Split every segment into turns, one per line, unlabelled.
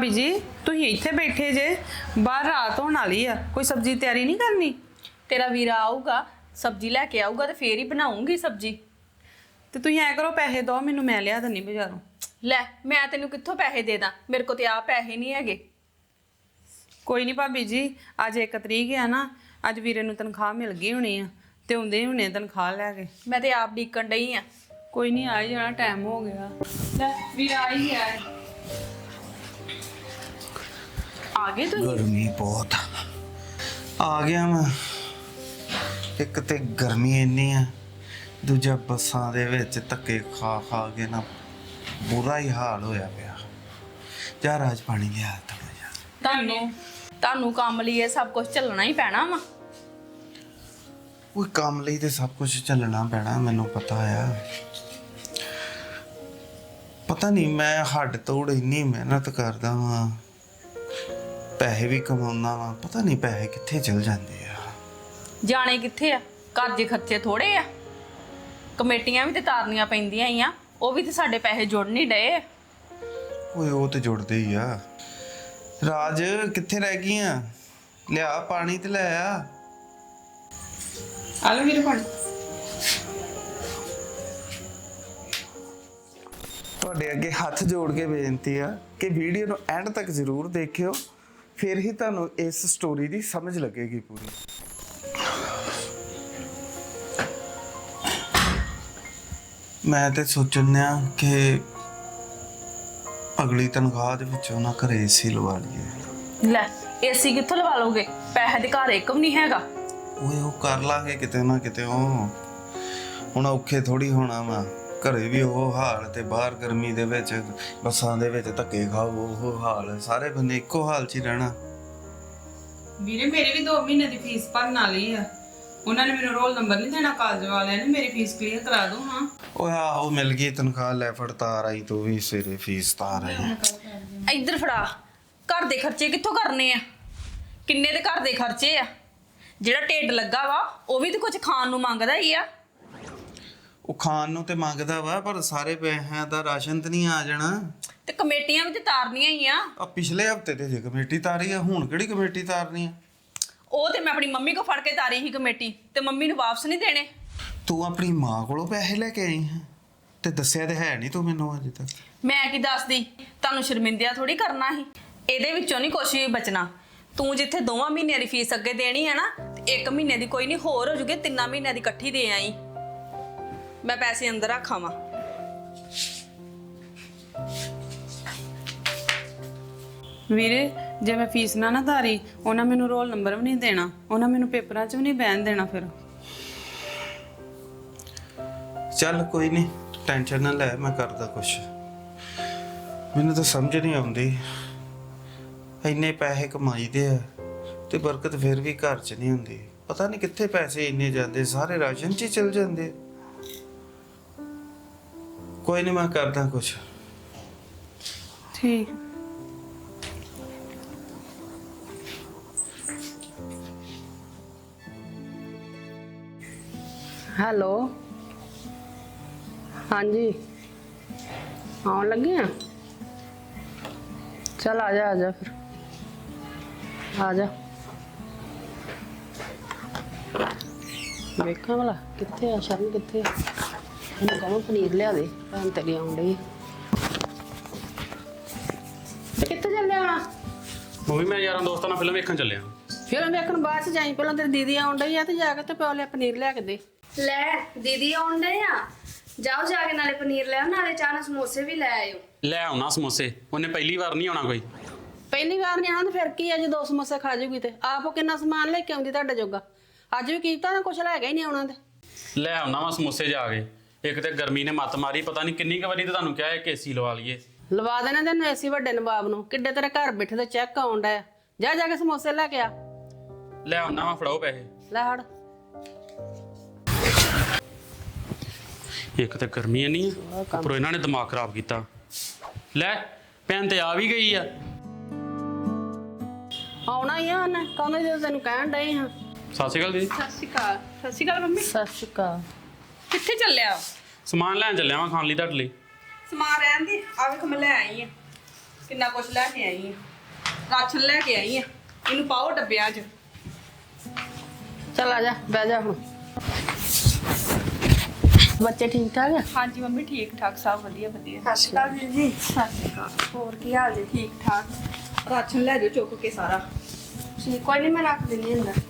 भाभी जी तुम इत्थे बैठे जे बाहर रात होने वाली है कोई सब्जी तैयारी नहीं करनी
तेरा वीरा आऊगा सब्जी लैके आऊगा तो फिर ही बनाऊंगी सब्जी।
तो तुम ऐ करो पैसे दो मैनू मैं लिया दनी बाजारों।
लै मैं तेनू कित्थों पैसे दे दा मेरे को तो आप पैसे नहीं हैगे।
कोई नहीं भाभी जी अज 1 तरीक है ना अज वीरे नू तनख्वाह मिल गई होनी है तो आउंदे हुणे तनख्वाह लैके।
मैं तो आप डिकन डई हाँ।
कोई नहीं आ ही जाना टाइम हो गया। लै वीरा आ ही गया है। आ गए तुम?
गर्मी बहुत आ गया मैं। एक ते गर्मी इन्नी है दूजा बसां दे विच धक्के खा खा के ना बुरा ही हाल होया पिया। जा राज पानी लिया थोड़ा जा।
तानू काम लिए सब कुछ चलना ही पैना वा।
कोई काम ਲਈ ਤੇ सब कुछ ਚੱਲਣਾ ਪੈਣਾ ਮੈਨੂੰ ਪਤਾ ਆ। ਪਤਾ ਨਹੀਂ ਮੈਂ ਹੱਡ ਤੋੜ ਇੰਨੀ ਮਿਹਨਤ ਕਰਦਾ ਵਾਂ ਪੈਸੇ ਵੀ ਕਮਾਉਂਦਾ ਵਾਂ ਪਤਾ ਨਹੀਂ ਪੈਸੇ ਕਿੱਥੇ ਚਲ ਜਾਂਦੇ ਆ।
ਜਾਣੇ ਕਿੱਥੇ ਆ ਘਰ ਦੇ ਖਰਚੇ ਥੋੜੇ ਆ ਕਮੇਟੀਆਂ ਵੀ ਤੇ ਤਾਰਨੀਆਂ ਪੈਂਦੀਆਂ ਹੀ ਆ ਉਹ ਵੀ ਤੇ ਸਾਡੇ ਪੈਸੇ ਜੁੜ ਨਹੀਂ ਡਏ।
ਓਏ ਉਹ ਤੇ ਜੁੜਦੇ ਹੀ ਆ। ਰਾਜ ਕਿੱਥੇ ਰਹਿ ਗਈਆਂ ਲਿਆ ਪਾਣੀ ਤੇ ਲੈ ਆ।
आ लो मेरे पानी।
ਤੁਹਾਡੇ ਅੱਗੇ ਹੱਥ ਜੋੜ ਕੇ ਬੇਨਤੀ ਆ ਕਿ ਵੀਡੀਓ ਨੂੰ ਐਂਡ ਤੱਕ ਜ਼ਰੂਰ ਦੇਖਿਓ ਫਿਰ ਹੀ ਤੁਹਾਨੂੰ ਇਸ ਸਟੋਰੀ ਦੀ ਸਮਝ ਲੱਗੇਗੀ ਪੂਰੀ। ਮੈਂ ਤੇ ਸੋਚਣਿਆ ਕਿ ਅਗਲੀ ਤਨਖਾਹ ਦੇ ਵਿੱਚੋਂ ਨਾ ਘਰੇ ਏਸੀ ਲਵਾ ਲਈਏ।
ਲੈ ਏਸੀ ਕਿੱਥੋਂ ਲਵਾ ਲੋਗੇ ਪੈਸੇ ਦੇ ਘਰ ਇੱਕ ਵੀ ਨਹੀਂ ਹੈਗਾ।
ਓਏ ਉਹ ਕਰ ਲਾਂਗੇ ਕਿਤੇ ਨਾ ਕਿਤੇ। ਉਹ ਹੁਣ ਔਖੇ ਥੋੜੀ ਹੋਣਾ ਵਾ ਘਰੇ ਵੀ ਉਹ ਹਾਲ ਤੇ ਬਾਹਰ ਗਰਮੀ ਦੇ ਵਿੱਚ ਬੱਸਾਂ ਦੇ ਵਿੱਚ ਧੱਕੇ ਖਾਓ ਉਹ ਹਾਲ ਸਾਰੇ ਬੰਦੇ ਇੱਕੋ ਹਾਲ 'ਚ ਹੀ ਰਹਿਣਾ।
ਵੀਰੇ ਮੇਰੀ ਵੀ 2 ਮਹੀਨੇ ਦੀ ਫੀਸ ਭਰਨ ਵਾਲੀ ਆ ਉਹਨਾਂ ਨੇ ਮੈਨੂੰ ਰੋਲ ਨੰਬਰ ਨਹੀਂ ਦੇਣਾ ਕਾਲਜ ਵਾਲਿਆਂ ਨੇ ਮੇਰੀ ਫੀਸ ਕਲੀਅਰ ਕਰਾ ਦੋ। ਹਾਂ
ਓਏ ਆਹੋ ਮਿਲ ਗਈ ਤਨਖਾਹ ਲੈ ਫੜ ਤਾਰ ਆਈ ਤੂੰ ਵੀ ਸਵੇਰੇ ਫੀਸ ਤਾਰ ਆਈ।
ਇੱਧਰ ਫੜਾ ਘਰ ਦੇ ਖਰਚੇ ਕਿੱਥੋਂ ਕਰਨੇ ਆ ਕਿੰਨੇ ਦੇ ਘਰ ਦੇ ਖਰਚੇ ਆ ਜਿਹੜਾ ਢਿੱਡ ਲੱਗਾ ਵਾ ਉਹ ਵੀ ਤੇ ਕੁਝ ਖਾਣ ਨੂੰ ਮੰਗਦਾ ਹੀ ਆ।
ਉਹ ਖਾਣ ਨੂੰ ਤੇ ਮੰਗਦਾ ਵਾ ਪਰ ਸਾਰੇ ਪੈਸਿਆਂ ਦਾ ਰਾਸ਼ਨ ਤੇ ਨਹੀਂ ਆ ਜਾਣਾ
ਤੇ ਕਮੇਟੀਆਂ ਵੀ ਤੇ ਤਾਰਨੀਆਂ ਹੀ ਆ।
ਆ ਪਿਛਲੇ ਹਫਤੇ ਤੇ ਜੇ ਕਮੇਟੀ ਤਾਰੀ ਆ ਹੁਣ ਕਿਹੜੀ ਕਮੇਟੀ ਤਾਰਨੀ ਆ।
ਉਹ ਤੇ ਮੈਂ ਆਪਣੀ ਮੰਮੀ ਕੋ ਫੜ ਕੇ ਤਾਰੀ ਸੀ ਕਮੇਟੀ ਤੇ ਮੰਮੀ ਨੂੰ ਵਾਪਸ ਨਹੀਂ ਦੇਣੇ।
ਤੂੰ ਆਪਣੀ ਮਾਂ ਕੋਲੋਂ ਪੈਸੇ ਲੈ ਕੇ ਆਈ ਹੈ ਤੇ ਦੱਸਿਆ ਤੇ ਹੈ ਨਹੀਂ ਤੂੰ ਮੈਨੂੰ ਅਜੇ ਤੱਕ।
ਮੈਂ ਕੀ ਦੱਸਦੀ ਤੁਹਾਨੂੰ ਸ਼ਰਮਿੰਦਿਆ ਥੋੜੀ ਕਰਨਾ ਸੀ ਇਹਦੇ ਵਿੱਚੋਂ ਨਹੀਂ ਕੁਛ ਵੀ ਬਚਣਾ। ਤੂੰ ਜਿੱਥੇ 2 ਮਹੀਨਿਆਂ ਦੀ ਫੀਸ ਅੱਗੇ ਦੇਣੀ ਹੈ ਨਾ ਤੇ 1 ਮਹੀਨੇ ਦੀ ਕੋਈ ਨਹੀਂ ਹੋਰ ਹੋ ਜੂਗੇ 3 ਮਹੀਨਿਆਂ ਦੀ ਇਕੱਠੀ ਦੇ ਆਈ। ਮੈਂ ਪੈਸੇ ਅੰਦਰ ਰੱਖਾਂ ਵਾ।
ਵੀਰੇ ਜੇ ਮੈਂ ਫੀਸ ਨਾ ਤਾਰੀ ਉਹਨਾਂ ਮੈਨੂੰ ਰੋਲ ਨੰਬਰ ਵੀ ਨਹੀਂ ਦੇਣਾ ਉਹਨਾਂ ਮੈਨੂੰ ਪੇਪਰਾਂ 'ਚ ਵੀ ਨਹੀਂ ਬਹਿਣ ਦੇਣਾ। ਫਿਰ
ਚੱਲ ਕੋਈ ਨਹੀਂ ਟੈਨਸ਼ਨ ਨਾ ਲੈ ਮੈਂ ਕਰਦਾ ਕੁਛ। ਮੈਨੂੰ ਤਾਂ ਸਮਝ ਨਹੀਂ ਆਉਂਦੀ ਇੰਨੇ ਪੈਸੇ ਕਮਾਈਦੇ ਆ ਤੇ ਬਰਕਤ ਫਿਰ ਵੀ ਘਰ 'ਚ ਨਹੀਂ ਹੁੰਦੀ। ਪਤਾ ਨਹੀਂ ਕਿੱਥੇ ਪੈਸੇ ਇੰਨੇ ਜਾਂਦੇ ਸਾਰੇ ਰਾਸ਼ਨ 'ਚ ਹੀ ਚਲ ਜਾਂਦੇ। ਕੋਈ ਨਹੀਂ ਮੈਂ ਕਰਦਾ ਕੁਛ।
ਠੀਕ
हेलो हाँ जी आने लगे हैं चल आ जा फिर आ जा देखा भला कित्थे आ शरण कित्थे इन्हें कहो पनीर लिया दे भैन तेरी आउन डई कित्थे चलिया
मूवी मैं यार दोस्तों नाल फिल्म देखण चलिया।
फिल्म देखण बाद च जाई पहला तेरी दीदी आउन डई आ ते जाके ते प्यो लिया पनीर लिया के दे।
ਲੈ ਦੀਦੀ ਆਉਣ ਡਏ ਆ ਜਾਓ ਜਾ ਕੇ ਨਾਲੇ ਪਨੀਰ ਲੈ ਆਓ ਨਾਲੇ ਚਾਹ ਨਾਲ ਸਮੋਸੇ ਵੀ ਲੈ ਆਇਓ।
ਲੈ ਆਉਣਾ ਸਮੋਸੇ ਉਹਨੇ ਪਹਿਲੀ ਵਾਰ ਨਹੀਂ ਆਉਣਾ ਕੋਈ।
ਪਹਿਲੀ ਵਾਰ ਨਹੀਂ ਆਉਣਾ ਤੇ ਫਿਰ ਕੀ ਆ ਜੇ 2 ਸਮੋਸੇ ਖਾ ਜੂਗੀ ਤੇ ਆਪ ਉਹ ਕਿੰਨਾ ਸਮਾਨ ਲੈ ਕੇ ਆਉਂਦੀ ਤੁਹਾਡੇ ਜੋਗਾ। ਅੱਜ ਵੀ ਕੀਤਾ ਨਾ ਕੁਛ ਲੈ ਗਿਆ ਹੀ ਨਹੀਂ ਆਉਣਾ ਤੇ
ਲੈ ਆਉਣਾ ਵਾ ਸਮੋਸੇ ਜਾ ਕੇ। ਇੱਕ ਤੇ ਗਰਮੀ ਨੇ ਮੱਤ ਮਾਰੀ ਪਤਾ ਨਹੀਂ ਕਿੰਨੀ ਕੁ ਵਾਰੀ ਤੇ ਤੁਹਾਨੂੰ ਕਿਹਾ ਹੈ ਕਿ ਏਸੀ ਲਵਾ ਲਈਏ।
ਲਵਾ ਦੇਣਾ ਤੈਨੂੰ ਏਸੀ ਵੱਡੇ ਨਵਾਬ ਨੂੰ ਕਿੱਡੇ ਤੇਰੇ ਘਰ ਬੈਠੇ ਤੇ ਚੈੱਕ ਆਉਣ ਡਿਆ ਜਾ ਜਾ ਕੇ ਸਮੋਸੇ ਲੈ ਕੇ ਆ।
ਲੈ ਆਉਣਾ ਵਾ ਫੜਾਓ ਪੈਸੇ।
ਲੈ ਹੜ
ਇੱਕ ਤੇ ਗਰਮੀ ਇੰਨੀ ਆ ਉੱਪਰੋਂ ਇਹਨਾਂ ਨੇ ਦਿਮਾਗ ਖਰਾਬ ਕੀਤਾ। ਲੈ ਭੈਣ ਤੇ ਆ ਵੀ ਗਈ ਆ।
ਆਉਣਾ ਹੀ ਆ ਉਹਨੇ ਕਹਿੰਦੇ ਜਦੋਂ ਤੈਨੂੰ ਕਹਿਣ ਡਏ ਹਾਂ।
ਸਤਿ ਸ਼੍ਰੀ ਅਕਾਲ ਦੀਦੀ।
ਸਤਿ ਸ਼੍ਰੀ ਅਕਾਲ ਮੰਮੀ।
ਸਤਿ ਸ਼੍ਰੀ ਅਕਾਲ।
ਕਿੱਥੇ ਚੱਲਿਆ
ਸਮਾਨ ਲੈਣ ਚੱਲਿਆ ਵਾਂ ਖਾਣ ਲਈ ਤੁਹਾਡੇ ਲਈ।
ਸਮਾਨ ਰਹਿਣ ਦੀ ਆ ਵੇਖ ਮੈਂ ਲੈ ਆਈ ਆ। ਕਿੰਨਾ ਕੁਛ ਲੈ ਕੇ ਆਈ ਆ। ਰਾਸ਼ਨ ਲੈ ਕੇ ਆਈ ਆ, ਇਹਨੂੰ ਪਾਓ ਡੱਬਿਆਂ 'ਚ।
ਚੱਲ ਆ ਜਾ, ਬਹਿ ਜਾ ਹੁਣ। ਬੱਚੇ ਠੀਕ ਠਾਕ ਆ?
ਹਾਂਜੀ ਮੰਮੀ, ਠੀਕ ਠਾਕ, ਸਭ ਵਧੀਆ ਵਧੀਆ।
ਸਤਿ ਸ਼੍ਰੀ ਅਕਾਲ ਵੀਰ ਜੀ।
ਸਤਿ ਸ਼੍ਰੀ ਅਕਾਲ।
ਹੋਰ ਕੀ ਹਾਲ ਜੀ?
ਠੀਕ ਠਾਕ। ਰਾਸ਼ਨ ਲੈ ਜਾਓ ਚੁੱਕ ਕੇ ਸਾਰਾ।
ਜੀ ਕੋਈ ਨਹੀਂ, ਮੈਂ ਰੱਖ ਦਿੰਦੀ ਅੰਦਰ।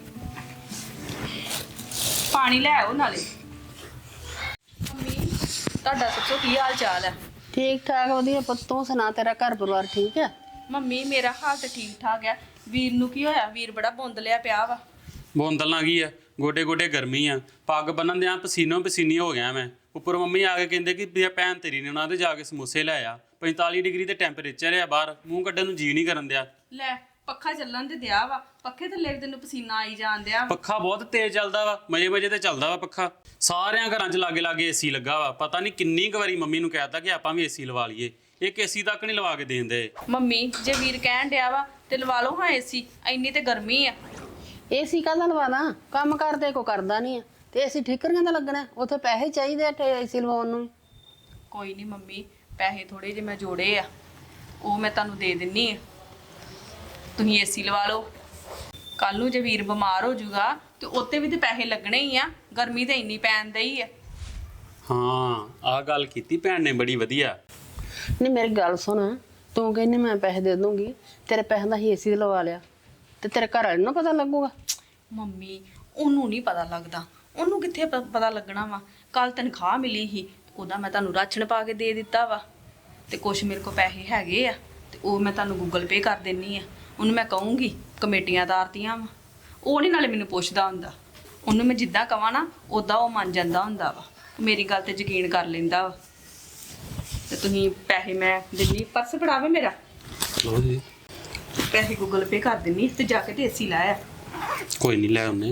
ਪਾਣੀ ਲੈ ਆਓ ਨਾਲੇ। ਮੰਮੀ ਤੁਹਾਡਾ ਸੱਚੋ ਕੀ ਹਾਲ ਚਾਲ ਹੈ?
ਠੀਕ ਠਾਕ ਵਧੀਆ ਪੁੱਤ, ਤੂੰ ਸੁਣਾ, ਤੇਰਾ ਘਰ ਪਰਿਵਾਰ ਠੀਕ ਆ?
ਮੰਮੀ ਮੇਰਾ ਹਾਲ ਤੇ ਠੀਕ ਠਾਕ ਹੈ। ਵੀਰ ਨੂੰ ਕੀ ਹੋਇਆ? ਵੀਰ ਬੜਾ ਬੁੰਦਲਿਆ ਪਿਆ ਵਾ।
ਬੋਂਦਲ ਨਾ ਗਈ ਆ, ਗੋਡੇ ਗੋਡੇ ਗਰਮੀ ਆ, ਪੱਗ ਬੰਨਣ ਦਿਆਂ ਪਸੀਨੋ ਪਸੀਨੀ ਹੋ ਗਿਆ ਮੈਂ। ਉੱਪਰ ਮੰਮੀ ਆ ਕੇ ਕਹਿੰਦੇ ਕਿ ਵੀ ਭੈਣ ਤੇਰੀ ਨੇ ਉਹਨਾਂ ਦੇ ਜਾ ਕੇ ਸਮੋਸੇ ਲੈ ਆ। 45 ਡਿਗਰੀ ਤੇ ਟੈਂਪਰੇਚਰ ਆ ਬਾਹਰ, ਮੂੰਹ ਕੱਢਣ ਨੂੰ ਜੀ ਨਹੀਂ ਕਰਨ ਦਿਆ।
ਲੈ ਪੱਖਾ ਚੱਲਣ ਤੇ ਦਿਆ ਵਾ, ਪੱਖੇ ਥੱਲੇ ਵੀ ਤੈਨੂੰ ਪਸੀਨਾ ਆਈ ਜਾਣ ਦਿਆ।
ਪੱਖਾ ਬਹੁਤ ਤੇਜ਼ ਚੱਲਦਾ ਵਾ, ਮਜੇ ਮਜੇ ਤੇ ਚੱਲਦਾ ਵਾ ਪੱਖਾ। ਸਾਰਿਆਂ ਘਰਾਂ 'ਚ ਲਾਗੇ ਲਾਗੇ ਏਸੀ ਲੱਗਾ ਵਾ। ਪਤਾ ਨਹੀਂ ਕਿੰਨੀ ਕੁ ਵਾਰੀ ਮੰਮੀ ਨੂੰ ਕਹਿਤਾ ਕਿ ਆਪਾਂ ਵੀ ਏਸੀ ਲਵਾ ਲਈਏ, ਇੱਕ ਏਸੀ ਤੱਕ ਨਹੀਂ ਲਵਾ ਕੇ ਦੇਂਦੇ।
ਮੰਮੀ ਜੇ ਵੀਰ ਕਹਿਣ ਡਿਆ ਵਾ ਤੇ ਲਵਾ ਲਓ ਹਾਂ ਏਸੀ, ਇੰਨੀ ਤੇ ਗਰਮੀ ਆ।
ਏਸੀ ਕਾਹਦਾ ਲਵਾਦਾ? ਕੰਮ ਕਰਦੇ ਕੋ ਕਰਦਾ ਨਹੀਂ ਆ ਤੇ ਏਸੀ ਠੀਕਰੀਆਂ ਦਾ ਲੱਗਣਾ, ਉੱਥੇ ਪੈਸੇ ਚਾਹੀਦੇ ਆ ਏਸੀ ਲਵਾਉਣ ਨੂੰ।
ਕੋਈ ਨਹੀਂ ਮੰਮੀ, ਪੈਸੇ ਥੋੜੇ ਜਿਹੇ ਮੈਂ ਜੋੜੇ ਆ, ਉਹ ਮੈਂ ਤੁਹਾਨੂੰ ਦੇ ਦਿੰਨੀ ਆ, ਤੁਸੀਂ ਏਸੀ ਲਵਾ ਲਓ। ਕੱਲ ਨੂੰ ਜੇ ਵੀਰ ਬਿਮਾਰ ਹੋ ਜਾਊਗਾ ਤੇ ਉੱਤੇ ਵੀ ਤੇ ਪੈਸੇ ਲੱਗਣੇ ਹੀ ਆ, ਗਰਮੀ ਤੇ ਇੰਨੀ ਪੈਣ ਦਈ ਆ।
ਹਾਂ ਆਹ ਗੱਲ ਕੀਤੀ ਭੈਣ ਨੇ ਬੜੀ ਵਧੀਆ।
ਨਹੀਂ ਮੇਰੀ ਗੱਲ ਸੁਣ, ਤੂੰ ਕਹਿੰਦੀ ਮੈਂ ਪੈਸੇ ਦੇ ਦੂੰਗੀ, ਤੇਰੇ ਪੈਸਿਆਂ ਦਾ ਹੀ ਏਸੀ ਲਵਾ ਲਿਆ ਤੇ ਤੇਰੇ ਘਰ ਵਾਲੇ ਨੂੰ ਪਤਾ ਲੱਗੂਗਾ?
ਮੰਮੀ ਉਹਨੂੰ ਨਹੀਂ ਪਤਾ ਲੱਗਦਾ, ਉਹਨੂੰ ਕਿੱਥੇ ਪਤਾ ਲੱਗਣਾ ਵਾ। ਕੱਲ ਤਨਖਾਹ ਮਿਲੀ ਸੀ, ਉਹਦਾ ਮੈਂ ਤੁਹਾਨੂੰ ਰਾਸ਼ਨ ਪਾ ਕੇ ਦੇ ਦਿੱਤਾ ਵਾ, ਤੇ ਕੁਛ ਮੇਰੇ ਕੋਲ ਪੈਸੇ ਹੈਗੇ ਆ ਤੇ ਉਹ ਮੈਂ ਤੁਹਾਨੂੰ ਗੂਗਲ ਪੇ ਕਰ ਦਿੰਨੀ ਆ। ਉਹਨੂੰ ਮੈਂ ਕਹੂੰਗੀ ਕਮੇਟੀਆਂ ਤਾਰਤੀਆਂ ਵਾ, ਉਹ ਨਹੀਂ ਨਾਲੇ ਮੈਨੂੰ ਪੁੱਛਦਾ ਹੁੰਦਾ। ਉਹਨੂੰ ਮੈਂ ਜਿੱਦਾਂ ਕਵਾਂ ਨਾ ਉਦਾਂ ਉਹ ਮੰਨ ਜਾਂਦਾ ਹੁੰਦਾ ਵਾ, ਮੇਰੀ ਗੱਲ ਤੇ ਯਕੀਨ ਕਰ ਲੈਂਦਾ ਵਾ। ਤੇ ਤੁਸੀਂ ਪੈਸੇ ਮੈਂ ਦਿੰਨੀ, ਪਰਸ ਫੜਾਵੇ ਮੇਰਾ,
ਲਓ ਜੀ।
ਪੈਸੇ ਗੂਗਲ ਪੇ ਕਰ ਦਿੰਨੀ ਤੇ ਜਾ ਕੇ ਤੇ ਏਸੀ ਲਾਇਆ।
ਕੋਈ ਨਹੀਂ ਲੈ ਆਉਨੇ।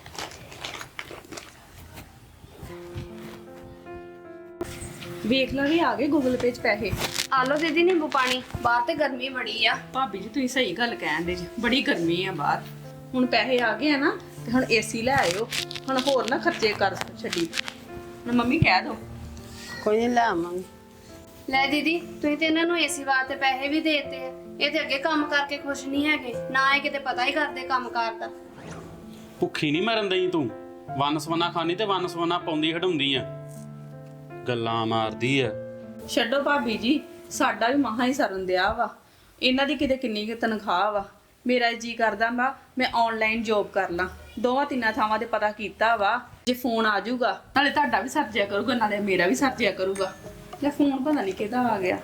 ਵੇਖ ਲਾ ਵੀ ਆ ਗਏ ਗੂਗਲ ਪੇ 'ਚ ਪੈਸੇ।
ਆ ਲਓ ਦੀਦੀ ਨਿੰਬੂ ਪਾਣੀ, ਬਾਹਰ ਤੇ ਗਰਮੀ ਬੜੀ ਆ।
ਭਾਬੀ ਜੀ ਤੁਸੀਂ ਸਹੀ ਗੱਲ ਕਹਿੰਦੇ ਜੀ, ਬੜੀ ਗਰਮੀ ਆ ਬਾਹਰ। ਹੁਣ ਪੈਸੇ ਆ ਗਏ ਆ ਨਾ ਤੇ ਹੁਣ ਏਸੀ ਲੈ ਆਇਓ, ਹੁਣ ਹੋਰ ਨਾ ਖਰਚੇ ਕਰ ਛੱਡੀ। ਹੁਣ ਮੰਮੀ ਕਹਿ ਦੋ।
ਕੋਈ ਨਹੀਂ ਲੈ ਆਵਾਂਗੇ।
ਲੈ ਦੀਦੀ, ਤੁਸੀਂ ਤੇ ਇਹਨਾਂ ਨੂੰ ਏਸੀ ਵਾਸਤੇ ਪੈਸੇ ਵੀ ਦੇਤੇ ਆ। ਇਹ ਤੇ ਅੱਗੇ ਕੰਮ ਕਰਕੇ ਖੁਸ਼ ਨਹੀਂ ਹੈਗੇ, ਨਾ ਇਹ ਕਿਤੇ ਪਤਾ ਹੀ ਕਰਦੇ ਕੰਮ ਕਾਰ ਦਾ।
ਭੁੱਖੀ ਨਹੀਂ ਮਰਨ ਦਈ ਤੂੰ, ਵੰਨ ਸਵੰਨਾ ਖਾਣੀ ਤੇ ਵੰਨ ਸਵੰਨਾ ਪਾਉਂਦੀ ਹਟਾਉਂਦੀ ਆ, ਗੱਲਾਂ ਮਾਰਦੀ ਆ।
ਛੱਡੋ ਭਾਬੀ ਜੀ, ਸਾਡਾ ਵੀ ਮਹਾ ਹੀ ਸਰਨ ਦਿਆ ਵਾ। ਇਹਨਾਂ ਦੀ ਕਿਤੇ ਕਿੰਨੀ ਕੁ ਤਨਖਾਹ ਵਾ। ਮੇਰਾ ਜੀ ਕਰਦਾ ਵਾ ਮੈਂ ਆਨਲਾਈਨ ਜੌਬ ਕਰ ਲਾਂ, 2-3 ਥਾਵਾਂ ਤੇ ਪਤਾ ਕੀਤਾ ਵਾ। ਜੇ ਫੋਨ ਆ ਜਾਊਗਾ ਨਾਲੇ ਤੁਹਾਡਾ ਵੀ ਸਰਜਿਆ ਕਰੂਗਾ, ਨਾਲੇ ਮੇਰਾ ਵੀ ਸਰਜਿਆ ਕਰੂਗਾ। ਲੈ ਫੋਨ ਪਤਾ ਨਹੀਂ ਕਿਹਦਾ ਆ ਗਿਆ।